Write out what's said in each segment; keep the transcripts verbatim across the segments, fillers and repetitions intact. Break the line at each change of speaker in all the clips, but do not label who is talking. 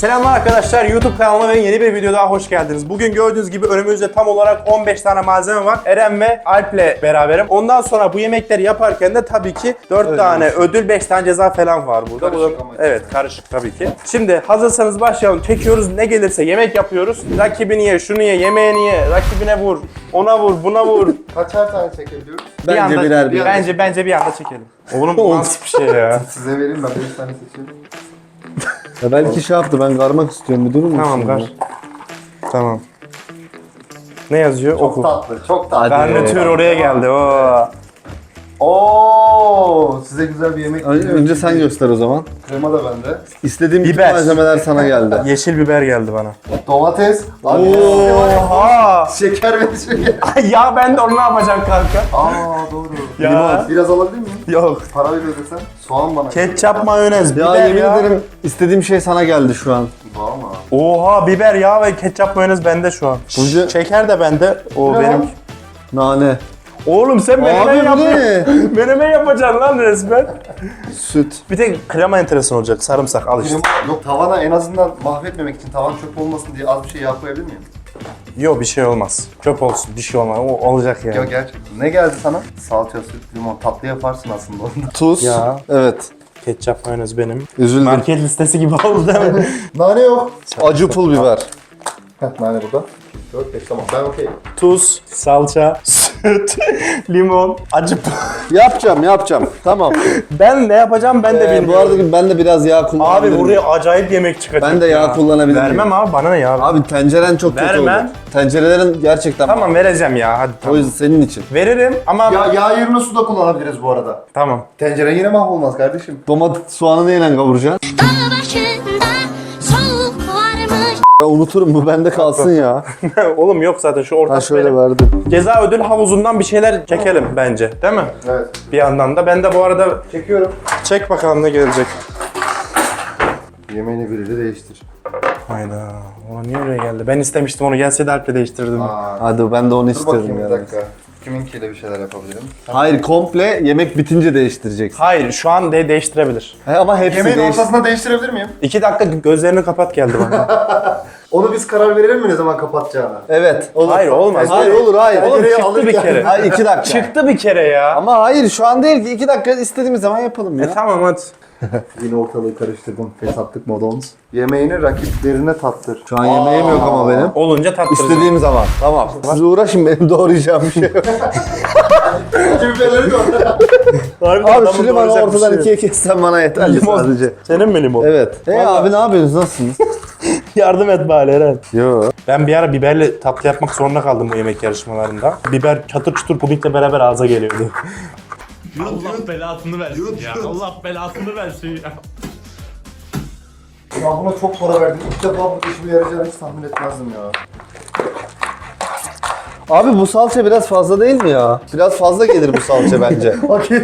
Selamlar arkadaşlar, YouTube kanalıma ve yeni bir video daha hoş geldiniz. Bugün gördüğünüz gibi önümüzde tam olarak on beş tane malzeme var. Eren ve Alp'le beraberim. Ondan sonra bu yemekleri yaparken de tabii ki dört ödül. tane ödül, beş tane ceza falan var burada.
Karışık
Bu da, evet, karışık tabii ki. Şimdi hazırsanız başlayalım. Çekiyoruz, ne gelirse yemek yapıyoruz. Rakibini ye, şunu ye, yemeğini ye, rakibine vur, ona vur, buna vur.
Kaçar tane çekebiliyoruz?
Bir
Bence
anda,
birer birer.
Bence bence bir anda çekelim. Oğlum bu nasıl bir şey ya?
Size vereyim, ben beş tane seçiyorum.
Ya belki şey yaptı, ben karmak istiyorum, bir durur musun?
Tamam, kar. Tamam. Ne yazıyor?
Çok
Oku.
tatlı, çok tatlı.
Garnitür oraya geldi. Oo.
Oo, size güzel bir yemek
Önce,
geliyor.
önce sen göster o zaman.
Krema da bende.
İstediğim bütün
Biber.
malzemeler sana geldi.
Yeşil biber geldi bana.
Domates. Abi,
Oha!
şeker ve şeker.
Ya ben de onu ne yapacağım kanka?
Aa doğru.
Ya.
Limon. Biraz alabilir miyim?
Yok.
Para veriyor desem. Soğan bana.
Ketçap, mayonez,
Ya
biber
yemin
ya.
ederim istediğim şey sana geldi şu an.
Valla.
Oha, biber, yağ ve ketçap, mayonez bende şu an.
Burcu-
Şeker de bende. O
Ne
benim.
lan?
Nane.
Oğlum sen menemen
Abi bu
yapıyorsun.
ne?
Menemen yapacaksın lan resmen.
Süt.
Bir tek krema enteresan olacak. Sarımsak al işte.
Limon- Yok, tavana en azından mahvetmemek için, tavan çöp olmasın diye az bir şey yağ koyabilir miyim?
Yok, bir şey olmaz. Çöp olsun, bir şey olmaz. O olacak yani.
Yok gerçekten. Ne geldi sana? Salça, süt, limon. Tatlı yaparsın aslında onda.
Tuz.
Ya.
Evet.
Ketçap, mayonez benim.
Üzüldüm.
Market listesi gibi oldu değil mi?
Nane yok.
Acı pul biber.
Heh, nane burada. dört beş tamam, ben okey.
Tuz, salça, süt, limon, acı p-
Yapacağım, yapacağım. Tamam.
Ben ne yapacağım ben de
Ee,
bilmiyorum.
bu arada ben de biraz yağ kullanabilirim.
Abi buraya acayip yemek çıkacak.
Ben de yağ
ya.
kullanabilir miyim?
Vermem abi, bana ne ya?
Abi tenceren çok kötü
Vermem.
oldu. Tencerelerin gerçekten...
Tamam, vereceğim ya, hadi
O
tamam.
yüzden senin için.
Veririm ama
Ya yağ yerine su da kullanabiliriz bu arada.
tamam.
Tencere yine mahvolmaz kardeşim.
Domates, soğanı neyle kavuracaksın?
Dağ başında soğuk varmış.
Ya unuturum, bu bende kalsın ya.
Oğlum yok zaten, şu orta
Ha şöyle verdim.
ceza ödül havuzundan bir şeyler çekelim bence, değil mi?
Evet.
Bir yandan da ben de bu arada
Çekiyorum.
çek bakalım ne gelecek.
Yemeğini biriyle değiştir.
Hayda. Ulan niye öyle geldi? Ben istemiştim onu, gelseydi Alp'le değiştirdim.
Aa,
Hadi ben de onu
dur bakayım
istedim
bir
yani.
dakika. Kiminkiyle bir şeyler yapabilirim.
Hayır, komple yemek bitince değiştireceksin.
Hayır, şu an de değiştirebilir.
He, ama hepsi
Yemeğin
değiş...
ortasında değiştirebilir miyim?
İki dakika gözlerini kapat geldi bana.
Onu biz karar verelim mi ne zaman kapatacağına?
Evet. Olur.
Hayır, olmaz.
Hayır olur, hayır.
Oğlum
Tencereyi
çıktı bir
alırken-
kere.
Hayır, iki dakika.
Çıktı bir kere ya.
Ama hayır, şu an değil ki. iki dakika istediğimiz zaman yapalım ya.
E tamam hadi.
Yine ortalığı karıştırdım. Fesatlık modons. Yemeğini rakiplerine tattır.
Şu an yemeğim yok ama benim.
Olunca tattıracağım.
İstediğim zaman. Tamam. Siz uğraşın, benim doğrayacağım bir şey yok.
Biberleri de orada.
Abi şu limonu ortadan ikiye kessen bana yeterli
Limon.
sadece.
Senin mi limon?
Evet. Hey
Vallahi-
abi ne yapıyorsunuz? Nasılsınız?
Yardım et bari Eren.
Yo.
Ben bir ara biberle tatlı yapmak zorunda kaldım bu yemek yarışmalarında. Biber çatır çutur pudingle beraber ağza geliyordu.
Allah belasını versin ya. Allah belasını versin ya.
Ya buna çok para verdim. İlk defa bu işime yarayacağını hiç tahmin etmezdim ya.
Abi bu salça biraz fazla değil mi ya? Biraz fazla gelir bu salça bence.
Okey.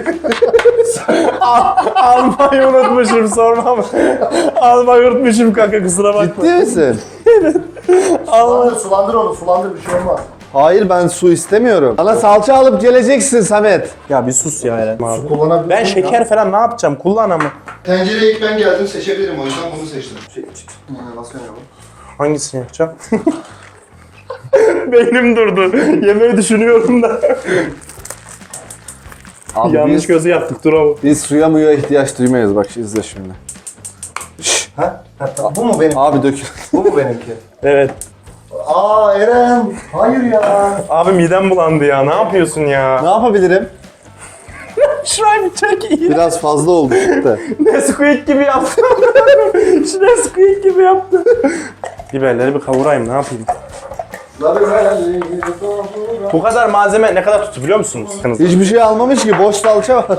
Almayı unutmuşum, sorma mı? Almayı unutmuşum kanka, kusura bakma.
Ciddi misin?
Sulandır, sulandır onu. Sulandır, bir şey olmaz.
Hayır, ben su istemiyorum. Bana salça alıp geleceksin Samet.
Ya bir sus ya Eren.
Su kullanabilirsin.
Ben şeker falan ne yapacağım? Kullan ama.
Tencereye ilk ben geldim, seçebilirim, o yüzden bunu seçtim. Şey, nasıl yanıyor bu?
Hangisini yapacağım? Beynim durdu. Yemeği düşünüyorum da.
Abi
Yanlış
biz,
gözü yaptık, dur ama.
biz suya muya ihtiyaç duymayız, bak izle şimdi.
Ha? Ha, tamam. Bu mu benim?
Abi dökül.
Bu mu benimki?
Evet.
Aa Eren! Hayır ya!
Abi midem bulandı ya. Ne yapıyorsun
Ne
ya?
yapabilirim?
Şurayı bir çek iyi.
Biraz fazla oldu çıktı.
Nesquik gibi yaptım. Şu Nesquik gibi yaptım. Biberleri bir kavurayım, ne yapayım? Bu kadar malzeme ne kadar tuttu biliyor musunuz?
Hiçbir şey almamış ki, boş salça var.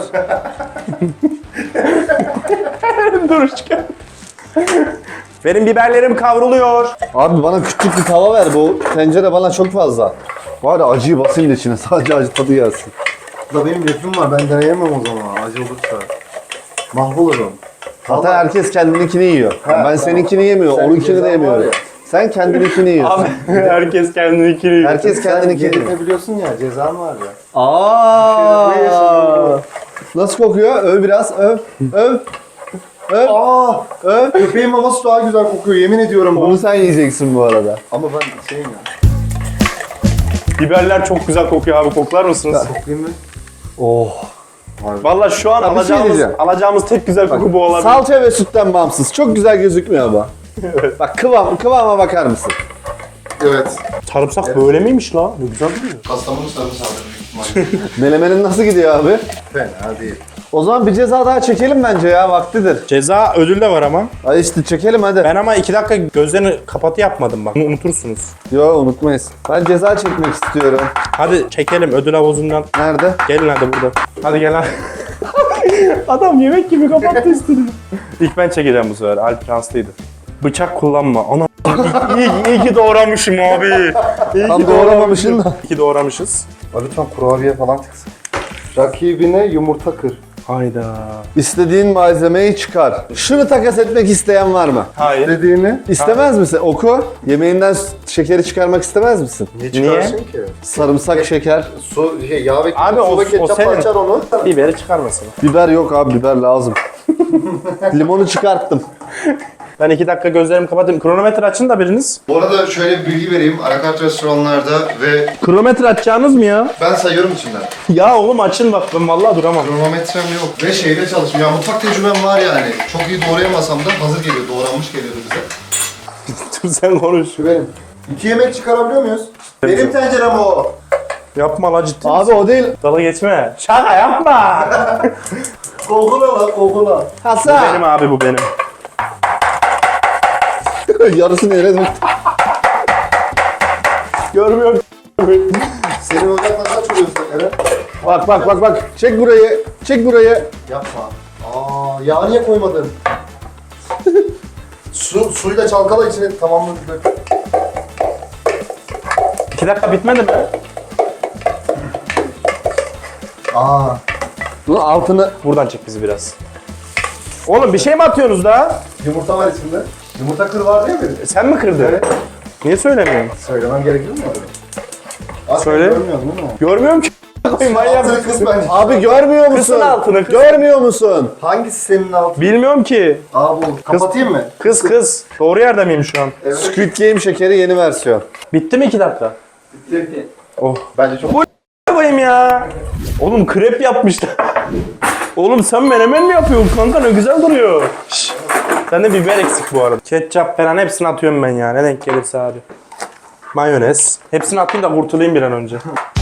Dur çıkar. Benim biberlerim kavruluyor.
Abi bana küçük bir tava ver, bu tencere bana çok fazla. Var ya, acıyı basayım da içine, sadece acı tadı gelsin.
Da benim lefim var, ben deneyemem o zaman acı olursa. Mahvolurum.
Zaten herkes kendininkini yiyor.
Ha,
ben
tamam.
seninkini yemiyorum,
Sen
onunkini de
cezan var
yemiyorum.
ya.
Sen kendininkini yiyorsun.
Abi herkes kendini kiriyor.
Herkes kendininkini yiyor.
Sen biliyorsun ya, cezan var ya.
Aa! Nasıl kokuyor? Öv biraz, öv, öv. öp.
Aa,
Öp.
köpeğin maması daha güzel kokuyor yemin ediyorum.
Bunu sen yiyeceksin bu arada.
Ama ben şeyim ya.
Biberler çok güzel kokuyor abi. Koklar mısınız?
Koklayayım mı?
Oh.
Vallahi şu an
Ya bir şey
alacağımız,
diyeceğim.
alacağımız tek güzel koku bu olabilir.
Salça ve sütten bağımsız. Çok güzel gözükmüyor ama. Bak kıvam, kıvama bakar mısın?
Evet.
Sarımsak böyle miymiş la? Ne güzel duruyor.
Kastamonu sarımsağı.
Melemenin nasıl gidiyor abi?
Fena değil.
O zaman bir ceza daha çekelim bence ya, vaktidir.
Ceza ödül de var ama.
Hadi işte çekelim hadi.
Ben ama iki dakika gözlerini kapatı yapmadım bak. Bunu unutursunuz.
Yo unutmayız. Ben ceza çekmek istiyorum.
Hadi çekelim ödül havuzundan.
Nerede?
Gelin hadi burada. Hadi gel hadi. Adam yemek gibi kapattı üstünü. İlk ben çekeceğim bu sefer. Alp şanslıydı. Bıçak kullanma. Ana iyi, iyi ki doğramışım abi. İyi
Tam
ki
doğramamışsın da.
İyi ki doğramışız.
Lütfen kurabiye falan çıksın. Rakibine yumurta kır.
Hayda.
İstediğin malzemeyi çıkar. Şunu takas etmek isteyen var mı?
Hayır.
Dediğini
İstemez misin? Oku. Yemeğinden şekeri çıkarmak istemez misin?
niye çıkarsın ki?
Sarımsak, şeker.
Su, şey, yağ ve
Abi o-
su ve
o
ketçap
senin.
açar onu.
Biberi çıkarmasın.
Biber yok abi, biber lazım. Limonu çıkarttım.
Ben iki dakika gözlerimi kapatayım. Kronometre açın da biriniz.
Bu arada şöyle bir bilgi vereyim. Alakart restoranlarda ve
Kronometre açacağınız mı ya?
ben sayıyorum içinden.
Ya oğlum açın bak ben vallahi duramam.
Kronometrem yok. Ve şeyde çalışmıyor. Ya mutfak tecrübem var yani. Çok iyi doğrayamasam da hazır geliyor. Doğranmış geliyordu bize.
Dur sen konuş.
Şu benim. İki yemek çıkarabiliyor muyuz? Benim tencerem o.
Yapma la ciddi.
Abi o değil.
Dala geçme. Şaka yapma.
Kokula lan kokula.
Benim
Hasan.
abi bu benim.
Yarısını yere döktüm.
Görmüyorum.
Senin ocakla kaç oluyorsun Eren?
Bak bak bak bak. Çek burayı. Çek burayı.
Yapma. Aa, yağ niye koymadın? Su, suyla çalkala içine tamamını dök.
İki dakika bitmedi mi?
Aa,
Bunun altını...
Buradan çek bizi biraz. Oğlum bir şey mi atıyorsunuz da?
yumurta var içinde. Yumurta kır var değil mi?
Sen mi kırdın?
Evet.
Niye söylemiyorsun?
Söylemem gerekiyor mu? Aslında
Söyle.
görmüyorsun değil mi?
Görmüyorum ki. Manyak
Altını
mısın?
kız bence.
Abi görmüyor musun?
Kısın altını, kız.
Görmüyor musun?
Hangisi senin altın?
Bilmiyorum ki.
Aa bu. Kapatayım mı?
Kız kız. Doğru yerde miyim şu an?
Evet.
Squid Game şekeri yeni versiyon.
Bitti mi iki dakika? Oh.
Bence çok...
Ne koyayım ya? Oğlum krep yapmışlar. Oğlum sen menemen mi yapıyorsun kanka? Ne güzel duruyor. Şşş. Sende biber eksik bu arada. Ketçap falan hepsini atıyorum ben ya. Ne denk gelirse abi. Mayonez. Hepsini atayım da kurtulayım bir an önce.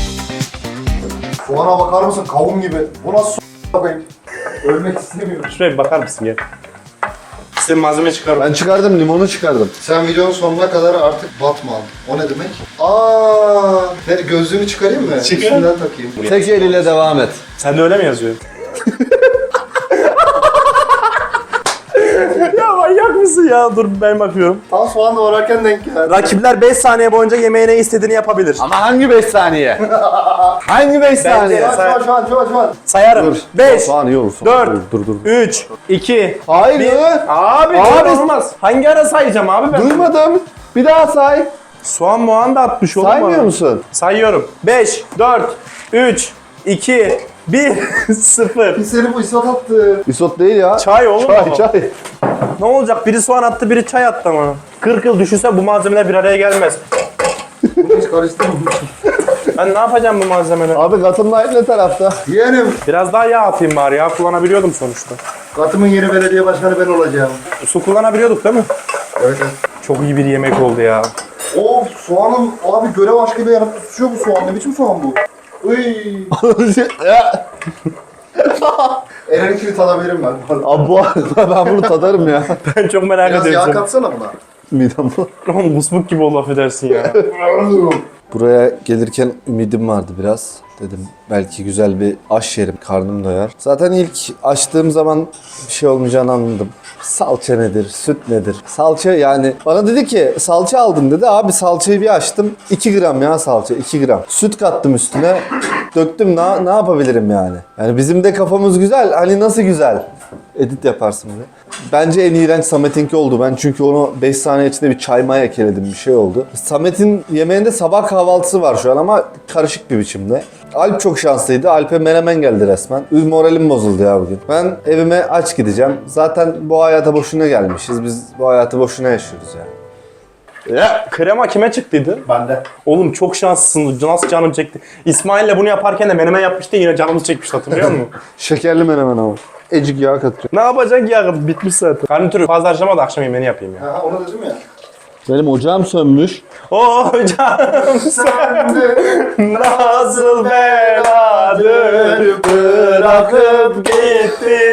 Soğana bakar mısın? Kavun gibi. Bu nasıl su bakayım? Ölmek istemiyorum.
Şuraya bir bakar mısın gel. Senin malzeme çıkarım.
Ben çıkardım, limonu çıkardım.
Sen videonun sonuna kadar artık batma. O ne demek? Aa, ne, gözlüğümü çıkarayım mı?
Çıkar.
Üstünden takayım.
Tek eliyle devam et.
Sen de öyle mi yazıyorsun? Ya manyak mısın ya? Dur ben bakıyorum.
Tam soğan doğrarken denk geldi.
Rakipler beş saniye boyunca yemeğine istediğini yapabilir.
Ama hangi beş saniye? Hangi beş saniye?
Şu an, şu an, şu an, şu an, şu an.
Sayarım. beş,
Soğan iyi olur.
dört,
Dur dur. dur.
üç, iki,
Hayır.
bir. Abi,
Abi.
abi olmaz. Hangi ara sayacağım abi ben?
Duymadım. Bir daha say.
Soğan muğan da atmış oğlum
Saymıyor
bana.
musun?
Sayıyorum. beş, dört, üç, iki, bir, sıfır.
Seni bu isot attı.
Isot değil ya.
Çay oğlum
Çay
ama.
çay.
Ne olacak? Biri soğan attı, biri çay attı ama. kırk yıl düşünse bu malzemeler bir araya gelmez.
Bunu hiç karıştırmamışım.
Ben ne yapacağım bu malzemeleri?
Abi katımın ne tarafta?
Yeğenim.
Biraz daha yağ atayım bari. Yağ kullanabiliyordum sonuçta.
Katımın yeni belediye başkanı ben olacağım.
Su kullanabiliyorduk değil mi?
Evet evet.
Çok iyi bir yemek oldu ya.
Of soğanın abi görev aşkıyla yanıp tutuşuyor bu soğan. Ne biçim soğan bu? Uy.
Ya,
Eren'inkini tadabilirim ben.
Abi bu ben bunu tadarım ya.
Ben çok merak
Biraz yağ
ediyorum.
katsana buna.
Midem bu.
Oğlum kusmuk gibi oldu affedersin ya.
Buraya gelirken ümidim vardı biraz. Dedim belki güzel bir aş yerim, karnım doyar. Zaten ilk açtığım zaman bir şey olmayacağını anladım. Salça nedir, süt nedir? Salça yani bana dedi ki salça aldım dedi. Abi salçayı bir açtım. iki gram ya salça, iki gram. Süt kattım üstüne. Döktüm ne, ne yapabilirim yani? Yani bizim de kafamız güzel. Hani nasıl güzel? Edit yaparsın buraya. Bence en iğrenç Samet'inki oldu. Ben çünkü onu beş saniye içinde bir çay maya ekledim, bir şey oldu. Samet'in yemeğinde sabah kahvaltısı var şu an ama karışık bir biçimde. Alp çok şanslıydı. Alp'e menemen geldi resmen. Üz moralim bozuldu ya bugün. Ben evime aç gideceğim. Zaten bu hayata boşuna gelmişiz. Biz bu hayatı boşuna yaşıyoruz yani.
Ya krema kime çıktıydı?
Bende.
Oğlum çok şanslısın. Nasıl canım çekti. İsmail'le bunu yaparken de menemen yapmıştı, yine canımız çekmişti, hatırlıyor musun?
Şekerli menemen ama. Ecik yağ katıyor.
Ne yapacak ya? Bitmiş zaten. Garnitürü fazla harcama da akşam yemeğini yapayım ya.
Ha onu dedim ya.
Benim ocağım sönmüş.
Oh canım sen nasıl beladır bırakıp gitti.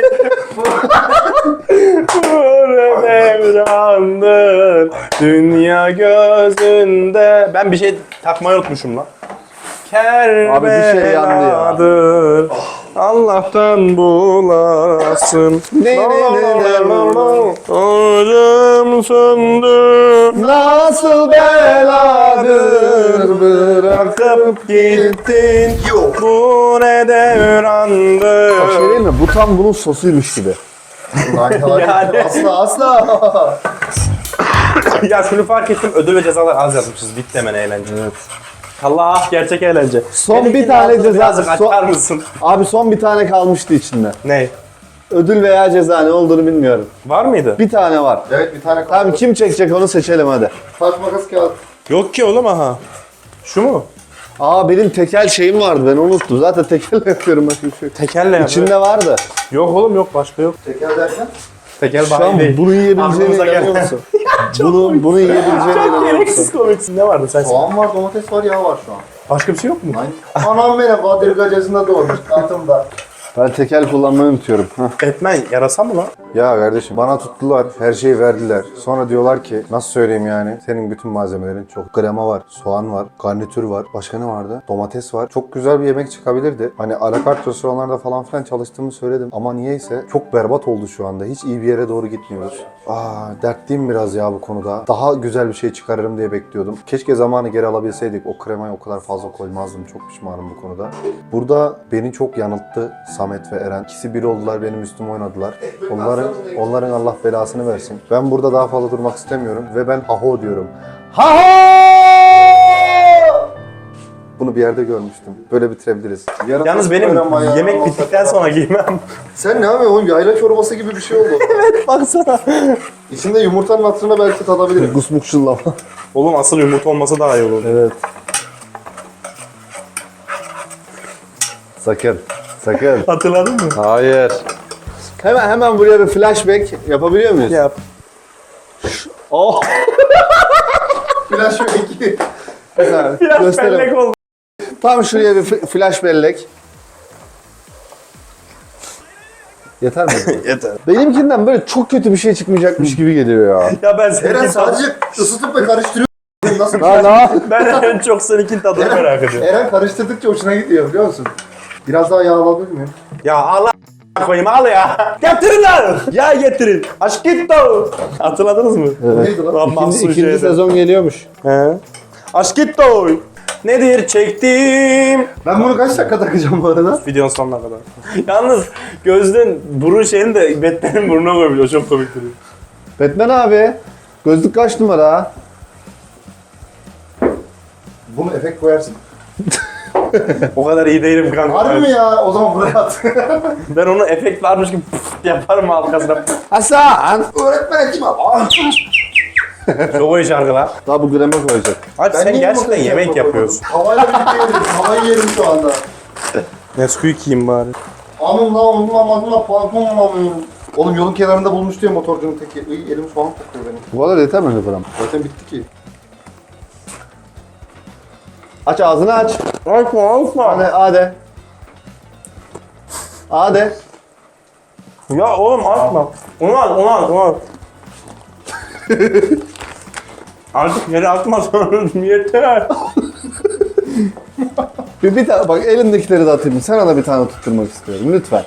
Vur devrandır dünya gözünde. Ben bir şey takmayı unutmuşum lan.
Abi bir şey yandı ya.
Kerbeladır. Allah'tan bulasın.
Ne, ne, ne, ne, ne.
Ocağım söndü.
Nasıl beladır
Bırakıp gittin. Bu ne devrandı.
Bir şey değil mi? Bu tam bunun sosuymuş gibi.
Hayır, hayır.
Yani-
Asla asla.
Ya şunu fark ettim, ödül ve cezalar az yazmışız. Bitti hemen eğlence. Evet. Allah, gerçek eğlence.
Son
Benimkinin
bir tane
altını
ceza-
Birazcık
son-
açar mısın?
Abi son bir tane kalmıştı içinde.
Ne?
Ödül veya ceza ne olduğunu bilmiyorum.
Var mıydı?
Bir tane var.
Evet bir tane kaldı.
Tamam kim çekecek onu seçelim hadi.
Taş makas kağıt.
Yok ki oğlum, aha. Şu mu?
Aa benim tekel şeyim vardı ben unuttum. Zaten tekelle yapıyorum başka bir şey yok.
Tekelle yap.
İçinde vardı.
Yok oğlum, yok, başka yok.
Teker derken.
Tekel
Şu an
bayi değil.
bunu yiyebileceğine
Aklımıza
inanıyor
gelen-
musun? bunu, bunu yiyebileceğine
Çok
inanıyor
gereksiz
musun?
komiksin. Ne vardı sen?
Soğan var, domates var, yağ var şu an.
Başka bir şey yok mu?
Aynen. Anam benim Badırgacası'nda doğmuş altımda.
Ben tekel kullanmayı unutuyorum. Hah.
Batman yarasa mı lan?
Ya kardeşim bana tuttular, her şeyi verdiler. Sonra diyorlar ki nasıl söyleyeyim yani? Senin bütün malzemelerin çok. Krema var, soğan var, garnitür var. Başka ne vardı? Domates var. Çok güzel bir yemek çıkabilirdi. Hani alakart restoranlarda falan filan çalıştığımı söyledim. Ama niyeyse çok berbat oldu şu anda. Hiç iyi bir yere doğru gitmiyoruz. Aa, dertliyim biraz ya bu konuda. Daha güzel bir şey çıkarırım diye bekliyordum. Keşke zamanı geri alabilseydik. O kremayı o kadar fazla koymazdım. Çok pişmanım bu konuda. Burada beni çok yanılttı Samet ve Eren. İkisi bir oldular, benim üstüme oynadılar. Onların onların Allah belasını versin. Ben burada daha fazla durmak istemiyorum ve ben haho diyorum. Haho! Bunu bir yerde görmüştüm. Böyle bitirebiliriz.
Yarın
Yalnız
nasıl
benim
öğrenme ya?
yemek bittikten sonra giymem.
Sen ne yapıyorsun oğlum? Yayla çorbası gibi bir şey oldu.
Baksana.
İçinde yumurtanın hatırına belki tadabilirim.
Gusmuk şıllama.
Oğlum asıl yumurta olması daha iyi olur.
Evet. Sakın. Sakın.
Hatırladın mı?
Hayır. Hemen hemen buraya bir flashback yapabiliyor muyuz?
Yap.
Oh.
Flash yok iki.
Güzel.
Biraz
Gösterelim.
bellek oldu.
Tam şuraya bir f- flash bellek. Yeter mi?
Yeter.
Benimkinden böyle çok kötü bir şey çıkmayacakmış gibi geliyor ya.
Ya ben
Eren
seninkini
sadece ısıtıp ve karıştırıyor. Nasıl bir
Lan
şey?
lan.
Ben en çok seninkinin tadını merak ediyorum.
Eren karıştırdıkça hoşuna gidiyor biliyor musun? Biraz daha yağ alabilir miyim?
Ya Allah koyayım, al ya. Getirin lan. Ya getirin. Aşk gitti o. Hatırladınız mı?
Neydi lan?
Lan
İkinci,
mahsus
ikinci
şeydi.
sezon geliyormuş.
He. Aşk gitti o. Nedir çektiğim?
Ben bunu kaç dakika takacağım bu arada?
Videonun sonuna kadar. Yalnız gözlüğün burun şeyini de Batman'in burnuna koyabiliyor. Çok komik duruyor.
Batman abi. Gözlük kaç numara?
Bunu efekt koyarsın.
O kadar iyi değilim kanka.
Harbi mi ya? O zaman buraya at.
Ben onu efekt varmış gibi pıf yaparım arkasına.
Hasan.
Öğretmen kim abi?
Çok iyi şarkılar.
Daha bu greme koyacak.
Abi sen
niye
gerçekten
makarna
yemek
yapma
yapıyorsun.
koydum? Havayla birlikte yedim. Havayı yerim şu anda.
Nesquik yiyeyim bari.
Anım la onun amacına pantolon alamıyorum. Oğlum yolun kenarında bulmuş diyor motorcunun teki. Iy, elim soğan kokuyor benim.
Bu kadar yeter mi gram?
Zaten bitti ki.
Aç ağzını aç.
Açma açma.
Hadi hadi. Hadi.
Ya oğlum açma. Onu al onu al onu al. Artık yere atma sonra yeter.
Bir, bir tane bak elindekileri de atayım. Sana da bir tane tutturmak istiyorum lütfen.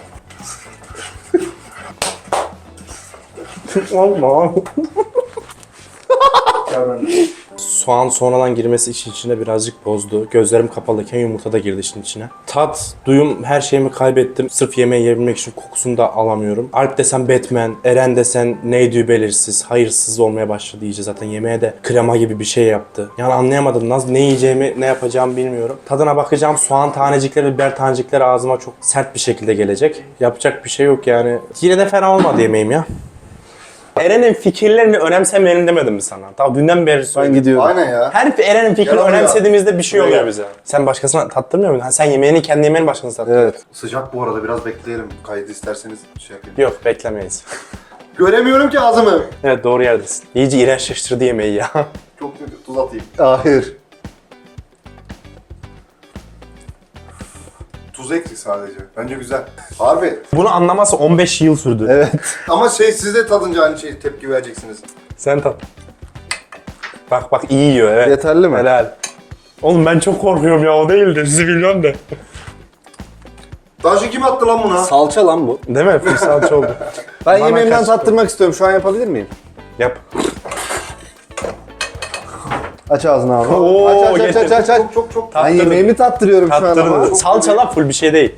Olma. Soğan sonradan girmesi işin içine birazcık bozdu. Gözlerim kapalıyken yumurta da girdi işin içine. Tat, duyum, her şeyimi kaybettim. Sırf yemeği yiyebilmek için kokusunu da alamıyorum. Alp desen Batman, Eren desen neydi belirsiz, hayırsız olmaya başladı iyice. Zaten yemeğe de krema gibi bir şey yaptı. Yani anlayamadım. Nasıl, ne yiyeceğimi, ne yapacağımı bilmiyorum. Tadına bakacağım. Soğan tanecikleri, biber tanecikleri ağzıma çok sert bir şekilde gelecek. Yapacak bir şey yok yani. Yine de fena olmadı yemeğim ya. Eren'in fikirlerini önemsemeyelim demedim mi sana? Tamam, dünden beri
Ben
söyledim.
gidiyorum.
Aynen ya.
Her Eren'in fikrini
Gel oraya.
önemsediğimizde bir şey
Buraya
oluyor
gel.
bize. Sen başkasına tattırmıyor musun? Ha, sen yemeğini kendi yemeğini başkasına tattırıyor.
Evet.
Sıcak bu arada, biraz bekleyelim. Kaydı isterseniz şey yapayım.
Yok, beklemeyiz.
Göremiyorum ki ağzımı.
Evet, doğru yerdesin. İyice iğrençleştirdi yemeği ya.
Çok kötü, tuz atayım.
Hayır.
Tuz eksik sadece. Bence güzel. Harbi.
Bunu anlaması on beş yıl sürdü.
Evet.
Ama şey, siz de tadınca aynı şey tepki vereceksiniz.
Sen tat. Bak bak, iyi yiyor, evet.
Yeterli mi?
Helal. Oğlum ben çok korkuyorum ya, o değildi. Sizi biliyorum da.
Taşı kim attı lan buna?
Salça lan bu.
Değil mi? Full salça oldu.
Ben
Bana
yemeğimden
kaç-
tattırmak istiyorum. Şu an yapabilir miyim?
Yap.
Aç ağzını abi.
Oo,
aç aç aç
getir.
aç aç. aç.
Çok çok çok.
Ben
Tattırdım.
yemeğimi tattırıyorum şu an ama.
Tattırdı. Salçalar full bir şey değil.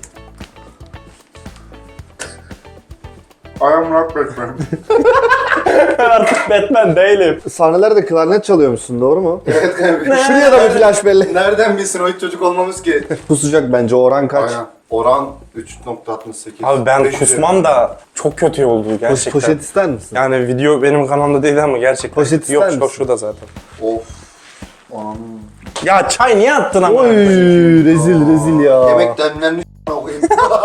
I am not Batman.
Artık Batman değilim.
Sahnelerde klarnet çalıyormuşsun, doğru mu?
Evet kanka.
Şuraya da bir flash belli.
Nereden bilsin o hiç çocuk olmamız ki?
Kusacak bence. Oran kaç?
Aynen. Oran üç nokta altmış sekiz.
Abi ben
beş yüz
kusmam da çok kötü oldu
Poş-
gerçekten.
poşet ister misin?
Yani video benim kanalımda değil ama gerçekten.
Poşet
Yok,
ister
yok
misin?
şurada zaten.
Of. Anam.
Ya çay niye attın ama?
Oy, rezil rezil ya.
Yemek demlenmiş koyayım.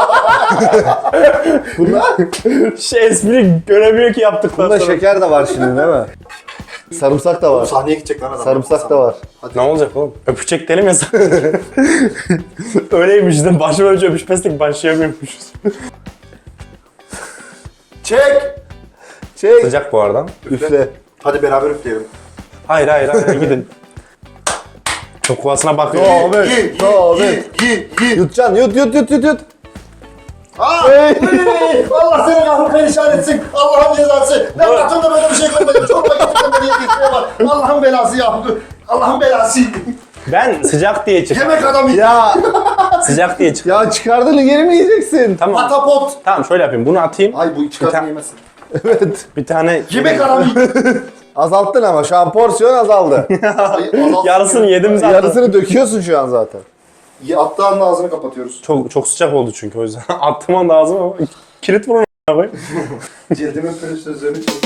Şey, espri göremiyor ki yaptıktan
Bunda
sonra.
şeker de var şimdi değil mi? Sarımsak da var.
Sahneye gidecek lan adam.
Sarımsak da var.
Ne olacak oğlum? Öpecek derim ya sana. Öyleymiş de başıma önce öpüşmezdik, başlayamıyormuşuz.
Çek.
Şey,
Sıcak bu arada.
üfle.
Hadi beraber üfleyelim.
Hayır hayır hayır, gidin. Çok kovasına bakıyor.
Abi,
Yi, yi,
abi.
yi, yi, yi.
Yutacaksın, yut yut yut yut yut.
Aa!
Hey.
Hey! Allah seni kahrı perişan etsin. Allah'ın cezası. Ben hayatımda böyle bir şey görmedim. Çorba getirdim beni yetişmeye bak. Allah'ın belası ya. Allah'ın belası.
Ben sıcak diye çıktım.
Yemek adamı.
Ya,
Sıcak diye çıktım.
ya çıkardığını geri mi yiyeceksin?
Tamam.
Patapot.
Tamam, şöyle yapayım. Bunu atayım.
Ay bu
Bir
çıkartma
ta-
yemezsin.
Evet.
Bir tane
Yemek adamı.
Azalttın ama şu an porsiyon azaldı.
yarısını yedim zaten.
Yarısını döküyorsun şu an zaten.
Attığı anda ağzını kapatıyoruz.
Çok çok sıcak oldu çünkü, o yüzden. Attım anda ağzıma ama kilit vurun abi.
Cildimin pürüz sözlerini çek.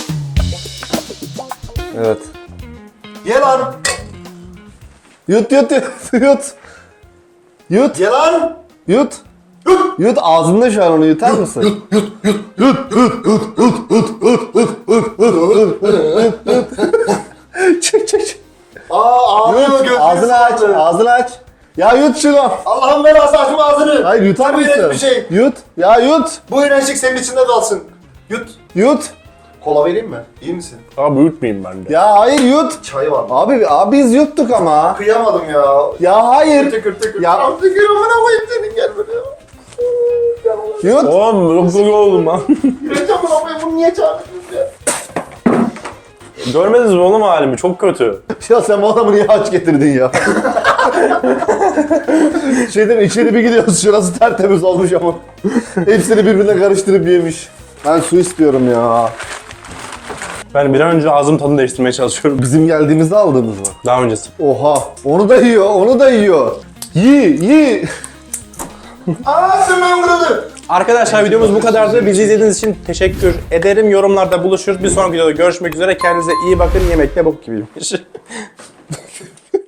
Evet.
Ye lan.
Yut yut yut yut. Yut
Ye lan.
yut. Yut ağzında şu an, onu yutar mısın? Çık çık çık.
Aa ağlıyor
Yut.
gözleri
Ağzını aç.
sıvandı.
Ağzını aç. Ya yut şunu.
Allah'ın belası açma ağzını.
Hayır, yutar
Bu iğrenç
mısın?
bir şey.
Yut. Ya yut.
Bu iğrençlik senin içinde kalsın. Yut.
Yut.
Kola vereyim mi? İyi misin?
Abi uyutmayayım ben de.
Ya hayır yut.
Çay var mı?
Abi abi biz yuttuk ama.
Kıyamadım ya.
Ya hayır.
Tıkır tıkır tıkır.
Ya-
Ya. Tıkır amına koyayım senin, gel buraya. Gel oğlum.
Yut.
Oğlum çok güzel oldum lan.
Yüreğim amına koyayım, bunu niye çağırdınız ya?
Görmediniz mi oğlum halimi? Çok kötü.
Ya sen bu adamı niye aç getirdin ya? Şeyden içeri bir gidiyoruz, şurası tertemiz olmuş ama. Hepsini birbirine karıştırıp yemiş. Ben su istiyorum ya.
Ben bir an önce ağzım tadını değiştirmeye çalışıyorum.
Bizim geldiğimizde aldığımız mı?
Daha öncesi.
Oha, onu da yiyor, onu da yiyor. Yi, yi.
Aa sırmam kırıldı.
Arkadaşlar videomuz bu kadardı. Bizi izlediğiniz için teşekkür ederim. Yorumlarda buluşuruz. Bir sonraki videoda görüşmek üzere. Kendinize iyi bakın. Yemek de bok gibiymiş.